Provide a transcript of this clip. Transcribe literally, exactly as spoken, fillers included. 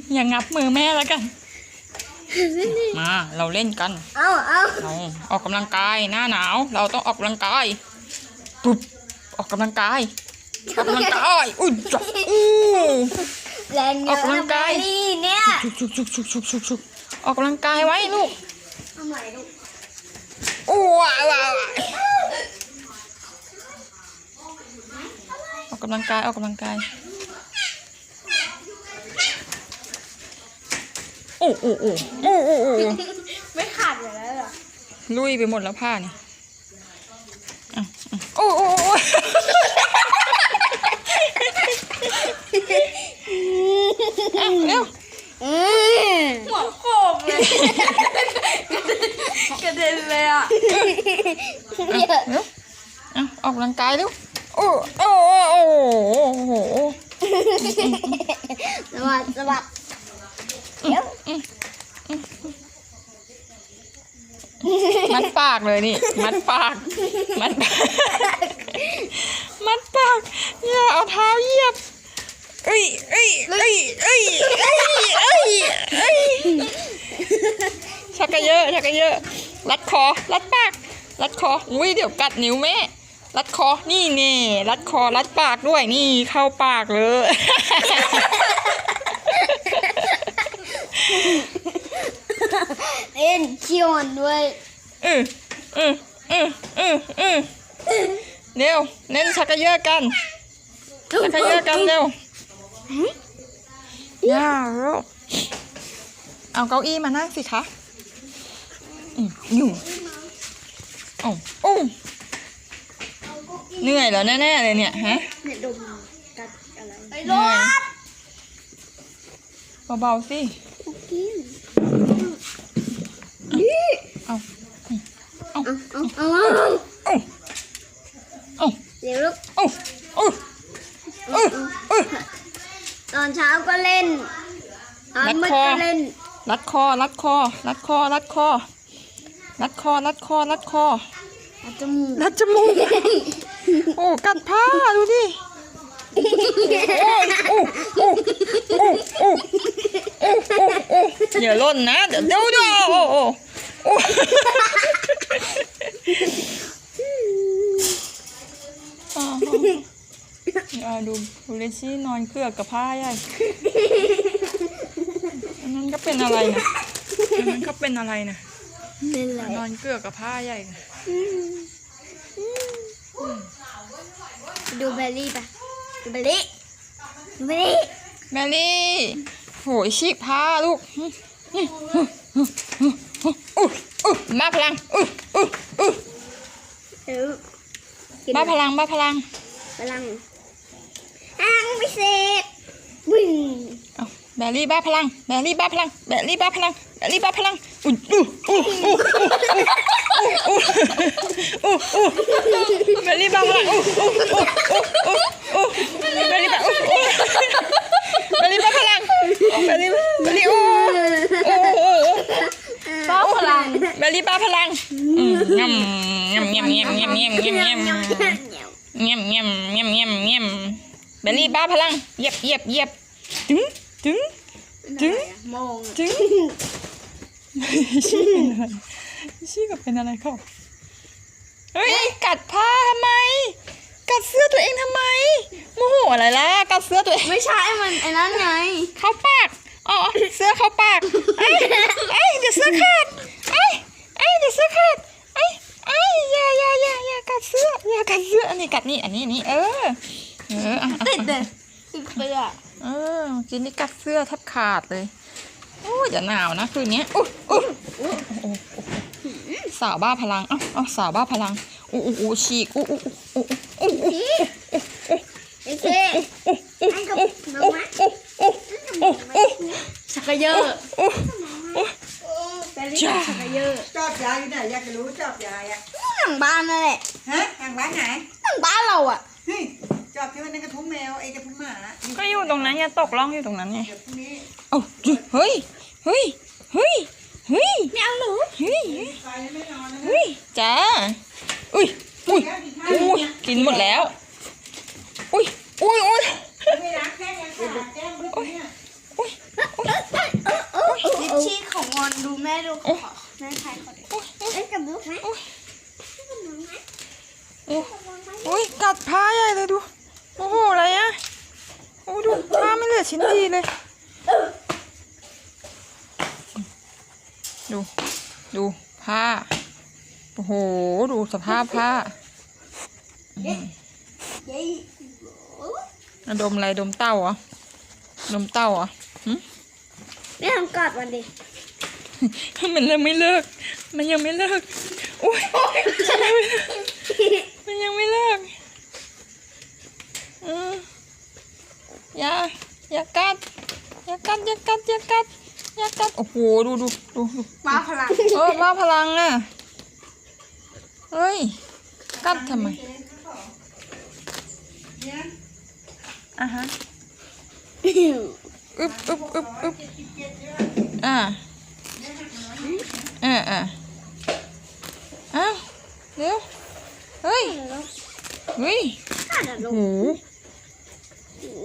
อย่างงับมือแม่แล้วกันมาเราเล่นกันเอาเอาเราออกกำลังกายหน้าหนาวเราต้องออกกำลังกายปุ๊บออกกำลังกายออกกำลังกายอุ้ยจับอู้แรงเยอะออกกำลังกายนี่เนี่ยชุกชุกชุกชุกชุกชุกออกกำลังกายไว้ลูกทำไมลูกอู้ว้าวออกกำลังกายออกกำลังกายโอ้โอ้โอ้โอ้โอ้โอ้ไม่ขาดอยู่แล้วหรอลุยไปหมดแล้วผ้านี่โอ้โอ้โอ้เร็วหัวโขกเลยกระเด็นเลยอ่ะเร็วออกกำลังกายเร็วโอ้โอ้โอ้โหสวัสดีสวัสดีเดี๋ยวมัดปากเลยนี่มัดปากมัดปากมัดปากอย่าเอาเท้าเหยียบเอ้ยเอ้ยเอ้ยเอ้ยเอ้ยเอ้ยเอ้ยชักกระเยอะชักกระเยอะรัดคอรัดปากรัดคออุ้ยเดี๋ยวกัดนิ้วแม่รัดคอนี่เน่รัดคอรัดปากด้วยนี่เข้าปากเลยเล่นเคี่ยวด้วยเออเออเออเออเออเร็วเล่นชักกระเยอะกันชักกระเยอะกันเร็วย่าเร็วเอาเก้าอี้มานั่งสิคะอยู่โอ้โอ้เหนื่อยแล้วแน่ๆเลยเนี่ยฮะเนี่ยดมกัดอะไรไอ้รถเบาๆสิเอาเอาเอาเอาเอาเอาเดี๋ยวลูกเอาเอาเอาตอนเช้าก็เล่นตอนมืดก็เล่นรัดคอรัดคอรัดคอรัดคอรัดคอรัดคอรัดคอรัดจมูกรัดจมูกโอ้กัดผ้าดูดิโอ้โอ้โอ้โอ้โอ้โอ้โอ้โอ้อย่าล่นนะเดี๋ยวเดี๋ยวเดี๋ยวโอ้โอ้โอ้อย่าดูดูเลซี่นอนเกือกกับผ้าใหญ่อันนั้นก็เป็นอะไรนะอันนั้นก็เป็นอะไรนะนอนเกือกกับผ้าใหญ่ดูเบลลี่ปะดูเบลลี่ดูเบลลี่เบลลี่โหยฉีกผ้าลูกมาพลังมาพลังมาพลังพลังอ้างพิเศษวิ่งเอาเบลลี่บ้าพลังเบลลี่บ้าพลังเบลลี่บ้าพลังเบลลี่บ้าพลังอู้อู้อู้อู้อู้อู้อู้เบลลี่บ้าพลังอู้อู้อู้อู้อู้เบลลี่บ้าอู้เบลลี่บ้าพลังเบลลี่เบลลี่อู้อู้อู้บ้าพลังเบลลี่บ้าพลังงำงำงำงำงำงำงำงำงำงำงำงำงำงำเบลลี่บ้าพลังเหยียบเหยียบเหยียบถึงถึงถึงถึงชี้เป็นอะไรชี้กับเป็นอะไรเขาเฮ้ยกัดผ้าทำไมกัดเสื้อตัวเองทำไมโมโหอะไรล่ะกัดเสื้อตัวเองไม่ใช่มันไอ้นั่นไงเข้าปากอ๋อเสื้อเข้าปากไอ้ไอ้เดี๋ยวเสื้อขาดไอ้ไอ้เดี๋ยวเสื้อขาดไอ้ไอ้อย่าอย่าอย่าอย่ากัดเสื้ออย่ากัดเสื้ออันนี้กัดนี่อันนี้อันนี้เออเออติดเลยติดเสื้อเออกินนี่กัดเสื้อแทบขาดเลยโอ้ยอย่าหนาวนะคืนนี้อู้อู้สาวบ้าพลังอ้าวอ้าวสาวบ้าพลังอู้อู้อู้ฉีกอู้อู้อู้อู้อู้โอเคอันกับน้องมะชักกระเยอะแต่ลิซ่าชักกระเยอะชอบยายอยู่ไหนอยากจะรู้ชอบยายอ่ะหลังบ้านนั่นแหละฮะหลังบ้านไหนหลังบ้านเราอ่ะเฮ้ยชอบที่ว่านั่นกระทุ้งแมวไอ้กระทุ้งหมาก็อยู่ตรงนั้นอย่าตกล่องอยู่ตรงนั้นไงเดี๋ยวพรุ่งนี้เอ้าเฮ้ยเฮ้ยเฮ้ยเฮ้ยไม่เอาหนูเฮ้ยเฮ้ยจ้าอุ้ยอุ้ยอุ้ยกินหมดแล้วอุ้ยอุ้ยอุ้ยไม่รักแค่ยังขาดแก้มเพื่อนเนี่ยอุ้ยอุ้ยคนดูแม่ดูขอแม่ใครขอเล่นกับลูกไหมโอ้ยเล่นกับน้องไหมโอ้เล่นกับน้องไหมโอ้ยกัดผ้าใหญ่เลยดูโอ้โหอะไรอะโอ้ดูผ้าไม่เหลือชิ้นดีเลยดูดูผ้าโอ้โหดูสภาพผ้าเย้เย้อะดมอะไรดมเต้าเหรอดมเต้าเหรอหึแม่ทำกอดมันดิมันยังไม่เลิก มันยังไม่เลิกโอ้ยมันยังไม่เลิกอืมอย่าอย่ากัดอย่ากัดอย่ากัดอย่ากัดอย่ากัดโอ้โหดูดูดูดูว้าพลังเออว่าพลังอ่ะเฮ้ยกัดทำไมเนี่ยอ่ะฮะอึบอึบอึบอึบอ่าอ่าอ่าอ้าวเร็วเฮ้ยเฮ้ยข้าจะลโอ้งโห